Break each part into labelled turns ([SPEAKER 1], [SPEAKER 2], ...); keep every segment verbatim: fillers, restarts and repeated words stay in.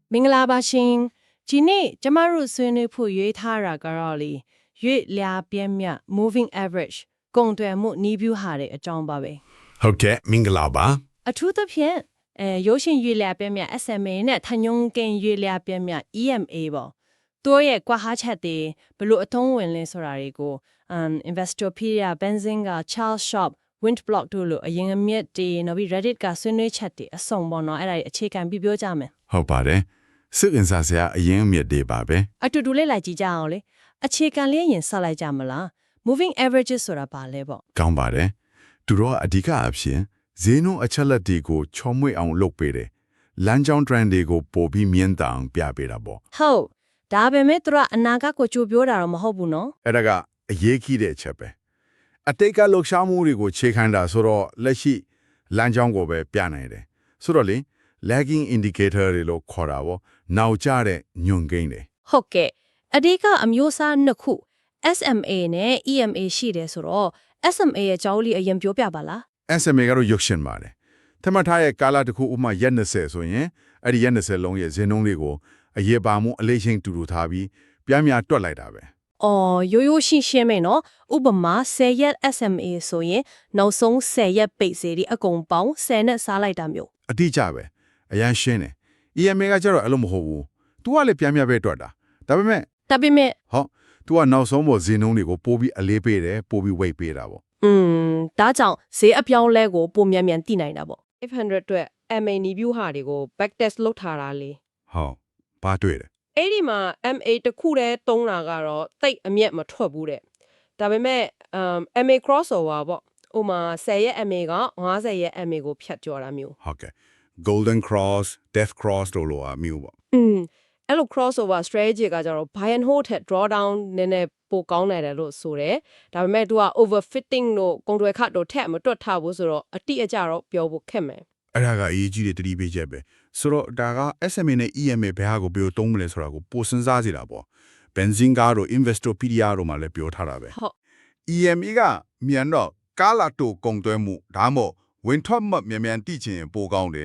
[SPEAKER 1] မင်္ဂလာပါရှင်ဒီနေ့ကျမတို့ဆွေးနွေးဖို့ရွေးထားတာကတော့လေရွေ့လျာပြင်းမြ moving average ကုန်သွယ်မှုနီးဗျူဟာတဲ့အကြောင်းပါပဲ
[SPEAKER 2] ဟုတ်ကဲ့မင်္ဂလာပါ
[SPEAKER 1] အထူးသဖြင့်အဲရုပ်ရှင်ရွေ့လျာပြင်းမြ S M A နဲ့ထညုံကင်ရွေ့လျာပြင်းမြ E M A ပေါ့တို့ရဲ့ကွာဟာချက်တွေဘလို့အသုံးဝင်လဲဆိုတာတွေကို um Investopedia Benzinga Charles Schwab Windblock တို့လိုအရင်အမြင့်တွေနောက်ပြီး Reddit ကဆွေးနွေးချက်တွေအစုံပေါ့နော်အဲ့ဒါတွေအခြေခံပြီးပြောကြမယ်
[SPEAKER 2] ဟုတ်ပါတယ်စိတ်ဝင်စားစရာအရင်အမြစ်တွေပါပဲ
[SPEAKER 1] အတူတူလေးလိုက်ကြည့်ကြအောင်လေအခြေခံလေးရင်ဆက်လိုက်ကြမလား moving averages ဆိုတာဘာလဲပေါ့
[SPEAKER 2] ကောင်းပါတယ်သူတို့ကအဓိကအဖြစ်ဈေးနှုန်းအချက်လက်တွေကိုချောမွေ့အောင်လုပ်ပေးတယ်လမ်းကြောင်း trend တွေကိုပို့ပြီးမြင့်တောင်ပြပေးတာပေါ့
[SPEAKER 1] ဟုတ်ဒါပေမဲ့သူကအနာဂတ်ကိုကြိုပြောတာတော့မဟုတ်ဘူးနော်
[SPEAKER 2] အဲ့ဒါကအရေးကြီးတဲ့အချက်ပဲအတိတ်ကလှုပ်ရှားမှုတွေကိုခြေခံတာဆိုတော့လက်ရှိလမ်းကြောင်းကိုပဲပြနိုင်တယ်ဆိုတော့လေ lagging indicator တွေလို့ခေါ်တာပေါ့နောက်ကျတဲ့ညွန်ကိန်းတွေ
[SPEAKER 1] ဟုတ်ကဲ့အဓိကအမျိုးအစားနှစ်ခု S M A နဲ့ E M A ရှိတယ်ဆိုတော့ S M A ရဲ့အကြောင်းလေးအရင်ပြောပြပါလား
[SPEAKER 2] S M A ကတော့ရုပ်ရှင်ပါတယ်။ထမထားရဲ့ကာလတစ်ခုဥပမာရက်နှစ်ဆယ်ဆိုရင်အဲ့ဒီရက်နှစ်ဆယ်လုံးရဲ့ဇင်းနှုန်းလေးကိုအရေးပါမှုအလေးချင်းတူတူထားပြီးပြမ်းများတွက်လိုက်တာပဲ
[SPEAKER 1] အော်ရိုးရိုးရှင်းရှင်းပဲနော်ဥပမာဆယ်ရက် S M A ဆိုရင်နောက်ဆုံးဆယ်ရက်ပိတ်စေဒီအကုန်ပေါင်းဆယ်နဲ့စားလိုက်တာမျိုး
[SPEAKER 2] ။အတိအကျပဲအရန်ရှင်းတယ်။ E M A ကကျတော့အဲ့လိုမဟုတ်ဘူး။ तू ကလည်းပြမ်းများပဲတွက်တာ။ဒါပေမဲ့
[SPEAKER 1] ဒါပေမဲ့
[SPEAKER 2] ဟော तू ကနောက်ဆုံးပေါ်ဇင်းနှုန်းတွေကိုပို့ပြီးအလေးပေးတယ်ပို့ပြီး weight ပေးတာပေါ့
[SPEAKER 1] อืมဒါကြောင့်ဈေးအပြောင်းလဲကိုပုံမြန်မြန်သိနိုင်တာပေါ့ five hundred အတွက် M A နီးဗျူဟာတွေကို back test လုပ်ထားတာလေ
[SPEAKER 2] ။ဟောဘာတွေ့တယ်
[SPEAKER 1] အဲ့ဒီမှာ M A တစ်ခုတည်းတုံးတာကတော့တိတ်အမျက်မထွက်ဘူးတဲ့ဒါပေမဲ့ um M A crossover ပေါ့ဥမာဆယ်ရက် M A ကfiftyရက် M A ကိုဖြတ်ကျော်တာမျိုး
[SPEAKER 2] ။ဟုတ်ကဲ့ golden cross death cross တို့လိုအမျိုးပေါ့
[SPEAKER 1] อืมအဲ့လို crossover strategy ကကြတော့ buy and hold ထက် draw down နည်းနည်းပိုကောင်းနိုင်တယ်လို့ဆိုတယ်ဒါပေမဲ့ तू က overfitting တို့ကုန်တွယ်ခတ်တို့ထက်မတွက်ထားဘူးဆိုတော့အတိအကျတော့ပြောဖို့ခက်မယ်
[SPEAKER 2] အဲ့ဒါကအရေးကြီးတဲ့တတိပေးချက်ပဲဆိုတော့ဒါက S M A နဲ့ E M A ဘယ်ဟာကိုဘယ်လိုသုံးမလဲဆိုတာကိုပိုစဉ်းစားစီတာပေါ့ Benzinga တို့ Investopedia တို့မှာလည်းပြောထားတာပဲ
[SPEAKER 1] ဟုတ်
[SPEAKER 2] E M A ကမြန်တော့ကာလာတိုကုန်သွဲမှုဒါမှမဟုတ်ဝင်ထွက်မှမြန်မြန်တိချင်ပိုကောင်းတယ်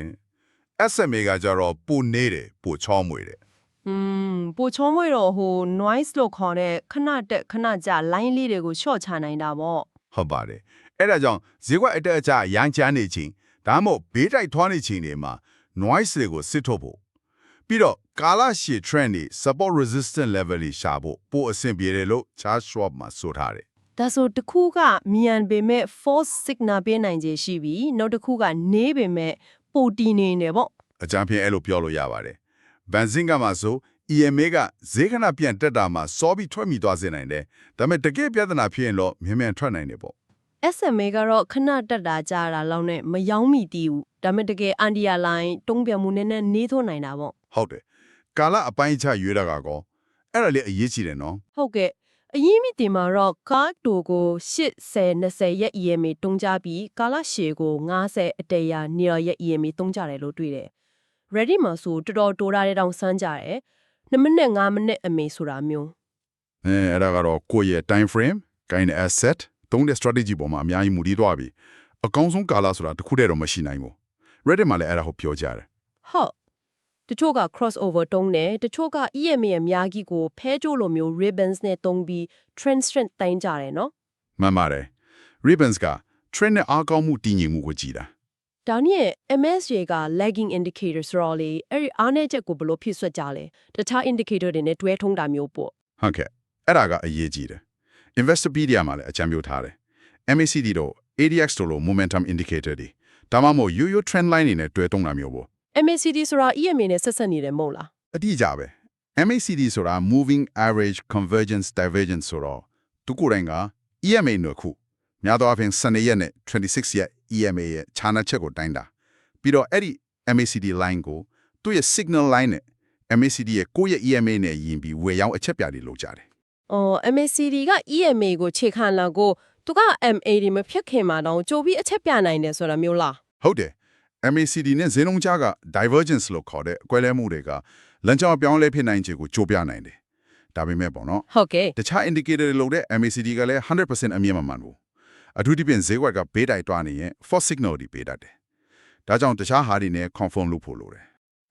[SPEAKER 2] S M A ကကြတော့ပိုနေတယ်ပိုချောမွေတယ်
[SPEAKER 1] อืมပိုချုံးမွေတော့ဟို noise လို့ခေါ်တဲ့ခဏတက်ခဏကြ line လေးတွေကို short ချနိုင်တာပေါ့
[SPEAKER 2] ဟုတ်ပါတယ်အဲ့ဒါကြောင့်ဈေးကွက်အတက်အကျရမ်းချမ်းနေချင်းဒါမှမဟုတ်ဘေးတိုက်ထွားနေချင်းတွေမှာ noise တွေကိုစစ်ထုတ်ဖို့ပြီးတော့ကာလရှည် trend တွေ support resistance level တွေရှာဖို့ပိုအဆင်ပြေတယ်လို့ Charles Schwab မှာဆိုထားတယ်
[SPEAKER 1] ဒါဆိုတစ်ခုကမြန်ပေမဲ့ false signal ပေးနိုင်ခြေရှိပြီနောက်တစ်ခုကနေပေမဲ့ပိုတီနေနေပေါ့
[SPEAKER 2] အကြမ်းဖျင်းအဲ့လိုပြောလို့ရပါတယ်။ Benzinga မှာဆို E M A ကဈေးခဏပြန်တက်တာမှာစောပြီးထွက်မိသွားစေနိုင်တယ်။ဒါပေမဲ့တကယ်ပြဿနာဖြစ်ရင်တော့မြန်မြန်ထွက်နိုင်တယ်ပေါ့
[SPEAKER 1] S M A ကတော့ခဏတက်တာကြာတာလောက်နဲ့မယောင်းမိသေးဘူးဒါပေမဲ့တကယ် underline တုံးပြမှုနည်းနည်းနေသွနိုင်တာပေါ့
[SPEAKER 2] ။ဟုတ်တယ်။ကာလအပိုင်းခြားရွေးတာကကောအဲ့ဒါလေးအရေးကြီးတယ်နော်
[SPEAKER 1] ဟုတ်ကဲ့အရင်မိတင်မှာတော့ကားတိုကိုeighty twentyရက် E M A တုံးကြပြီးကာလရှည်ကိုfiftyအတရာနေရရက် E M A တုံးကြတယ်လို့တွေ့တယ် ready မှာဆိုတော်တော်တိုးတာတဲ့တောင်စမ်းကြတယ်twoမိနစ်fiveမိနစ်အမေဆိုတာမျိုး
[SPEAKER 2] ။အဲအဲ့ဒါကတော့ကိုယ့်ရဲ့ time frame, kind of asset သုံးတဲ့ strategy ပေါ်မှာအများကြီးမူတည်သွားပြီ။အကောင်းဆုံးကာလဆိုတာတစ်ခုတည်းတော့မရှိနိုင်ဘူး။ Reddit မှာလည်းအဲ့ဒါကိုပြောကြတယ်
[SPEAKER 1] ဟုတ်တချို့က crossover တုံးတယ်တချို့က E M A ရဲ့အများကြီးကိုဖဲကြိုးလိုမျိုး ribbons နဲ့တုံးပြီး trend strength တိုင်းကြတယ်နော်
[SPEAKER 2] ။မှန်ပါတယ်။ Ribbons က trend နဲ့အားကောင်းမှုတည်ငြိမ်မှုကိုကြည်တာ
[SPEAKER 1] ဒါနဲ့ M S J က lagging indicator ဆိုတော့လေအဲ့ဒီအားနည်းချက်ကိုဘယ်လိုဖြစ်ဆွတ်ကြလဲတခြား indicator တွေနဲ့တွဲထုံးတာမျိုးပေါ့
[SPEAKER 2] ။ဟုတ်ကဲ့အဲ့ဒါကအရေးကြီးတယ်။ Investopedia မှာလည်းအကြံပြုထားတယ်။ M A C D တို့ A D X တို့လို momentum indicator တွေဒါမှမဟုတ်ရိုးရိုး trend line တွေနဲ့တွဲတုံးတာမျိုးပေါ့
[SPEAKER 1] M A C D ဆိုတာ E M A နဲ့ဆက်ဆက်နေတယ်မဟုတ်လား
[SPEAKER 2] အတိအကျပဲ M A C D ဆိုတာ moving average convergence divergence ဆိုတော့သူကိုယ်တိုင်က E M A နှစ်ခုများသောအားဖြင့်twelveရက်နဲ့twenty-sixရက် E M A ရဲ့ခြားနားချက်ကိုတိုင်းတာပြီးတော့အဲ့ဒီ M A C D line ကိုသူ့ရဲ့ signal line နဲ့ M A C D ရဲ့ကိုယ့်ရဲ့ E M A နဲ့ယင်ပြီးဝယ်ရောင်းအချက်ပြတွေလုပ်ကြတယ်
[SPEAKER 1] အော် M A C D က E M A ကိုခြေခံလာကိုသူက M A ဒီမဖြစ်ခင်မှာတော့ကြိုပြီးအချက်ပြနိုင်တယ်ဆိုတာမျိုးလား
[SPEAKER 2] ဟုတ်တယ် M A C D နဲ့ဈေးနှုန်းကြားက divergence လို့ခေါ်တဲ့အကွဲလဲမှုတွေကလမ်းကြောင်းအပြောင်းအလဲဖြစ်နိုင်ခြေကိုကြိုးပြနိုင်တယ်ဒါပေမဲ့ပေါ့နော်
[SPEAKER 1] ဟုတ်ကဲ့
[SPEAKER 2] တခြား indicator တွေလို့တဲ့ M A C D ကလည်းone hundred percent အမြင့်မမှန်ဘူးအထူးသဖြင့်ဈေးကွက်ကဘေးတိုက်တွားနေရင် false signal တွေပေးတတ်တယ်ဒါကြောင့်တခြားဟာတွေနဲ့ confirm လုပ်ဖို့လိုတယ်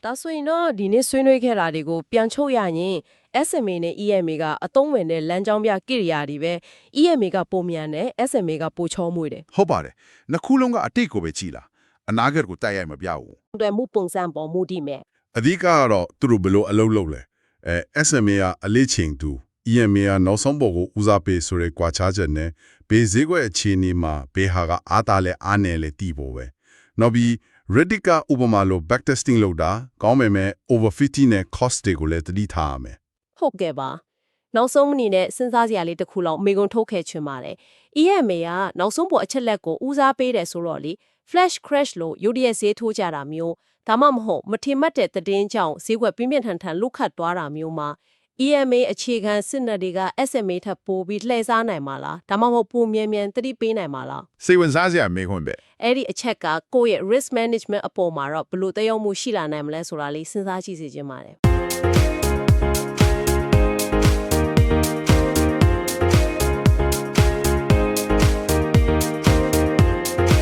[SPEAKER 3] ဒါဆိုရင်တော့ဒီနေ့ဆွေးနွေးခဲ့တာတွေကိုပြန်ချုပ်ရရင် S M A နဲ့ E M A ကအသုံးဝင်တဲ့လမ်းကြောင်းပြကိရိယာတွေပဲ E M A ကပုံမြန်တယ် S M A ကပိုချောမွေ့တယ်
[SPEAKER 2] ဟုတ်ပါတယ်နှစ်ခုလုံးကအတိတ်ကိုပဲကြည်လာအနာဂတ်ကိုတိုက်ရိုက်မပြဘူး
[SPEAKER 3] ။တွေ့မှုပုံစံပေါ်မူတည်မယ်
[SPEAKER 4] အဓိကကတော့သူတို့ဘယ်လိုအလုပ်လုပ်လဲအဲ S M A ကအလေးချိန်သူ E M A ကနောက်ဆုံးပေါ်ကိုဦးစားပေးဆိုတဲ့ကွာခြားချက်နဲ့ဘေးဈေးကွက်အခြေအနေမှာဘေးဟာကအားတာလဲအားနယ်လဲတည်ဖို့ပဲနောက်ပြီး Reddit ကဥပမာလို backtesting လုပ်တာကောင်းပေမဲ့ over fifty နဲ့ cost တွေကိုလည်းသတိထားရမယ်
[SPEAKER 3] ။ဟုတ်ကဲ့ပါ။နောက်ဆုံးအနေနဲ့စဉ်းစားစရာလေးတစ်ခုလောက်မေကွန်ထုတ်ခဲ့ချင်ပါတယ်။ E M A ကနောက်ဆုံးပေါ်အချက်လက်ကိုဦးစားပေးတယ်ဆိုတော့လေ flash crash လို့ရုတ်တရက်ဈေးထိုးကြတာမျိုးဒါမှမဟုတ်မထင်မှတ်တဲ့သတင်းကြောင့်ဈေးကွက်ပြင်းပြင်းထန်ထန်လုခတ်သွားတာမျိုးမှာ E M A အခြေခံစစ်နယ်တွေက S M A ထပ်ပို့ပြီးလှည့်စားနိုင်မှာလားဒါမှမဟုတ်ပုံမြန်မြန်သတိပေးနိုင်မှာလား
[SPEAKER 5] စိတ်ဝင်စားစရာမေးခွန်းပဲ
[SPEAKER 3] အဲ့ဒီအချက်ကကိုယ့်ရဲ့ risk management အပေါ်မှာတော့ဘယ်လိုသက်ရောက်မှုရှိလာနိုင်မလဲဆိုတာလေးစဉ်းစားကြည့်စေချင်ပါတယ်